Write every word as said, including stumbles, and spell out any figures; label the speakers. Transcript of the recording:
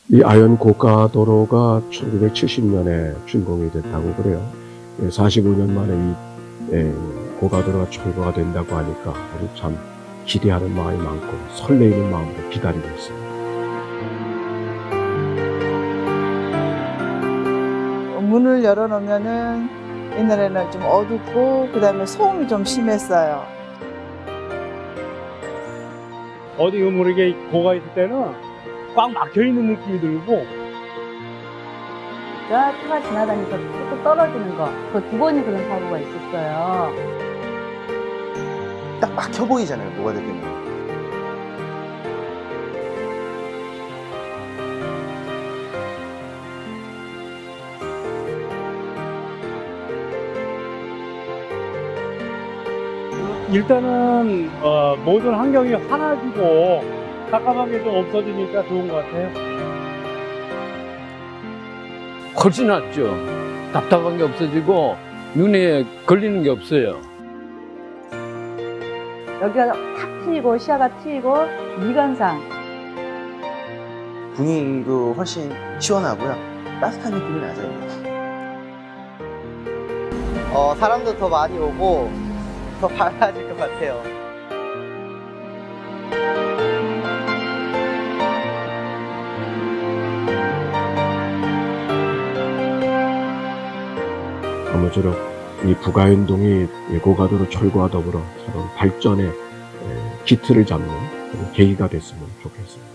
Speaker 1: 이 아연 고가도로가 천구백칠십 년에 준공이 됐다고 그래요. 사십오 년 만에 이 고가도로가 철거가 된다고 하니까 우리 참 기대하는 마음이 많고 설레이는 마음으로 기다리고 있습니다.
Speaker 2: 문을 열어놓으면은 옛날에는 좀 어둡고 그 다음에 소음이 좀 심했어요.
Speaker 3: 어디 모르게 고가 있을 때는 꽉 막혀있는 느낌이 들고
Speaker 4: 차가 지나다니면서 뚝뚝 떨어지는 거, 그 두 번이 그런 사고가 있었어요.
Speaker 5: 딱 막혀 보이잖아요, 노가다되면.
Speaker 3: 일단은 어, 모든 환경이 환해지고 깜깜한 게 좀 없어지니까 좋은 것 같아요.
Speaker 6: 훨씬 낫죠. 답답한 게 없어지고 눈에 걸리는 게 없어요.
Speaker 4: 여기가 탁 트이고 시야가 트이고 미관상.
Speaker 5: 분위기도 훨씬 시원하고요. 따뜻한 느낌이 나죠.
Speaker 7: 어, 사람도 더 많이 오고 더 밝아질 것 같아요.
Speaker 1: 아무쪼록 이 부가연동이 고가도로 철거와 더불어 서로 발전의 기틀을 잡는 그런 계기가 됐으면 좋겠습니다.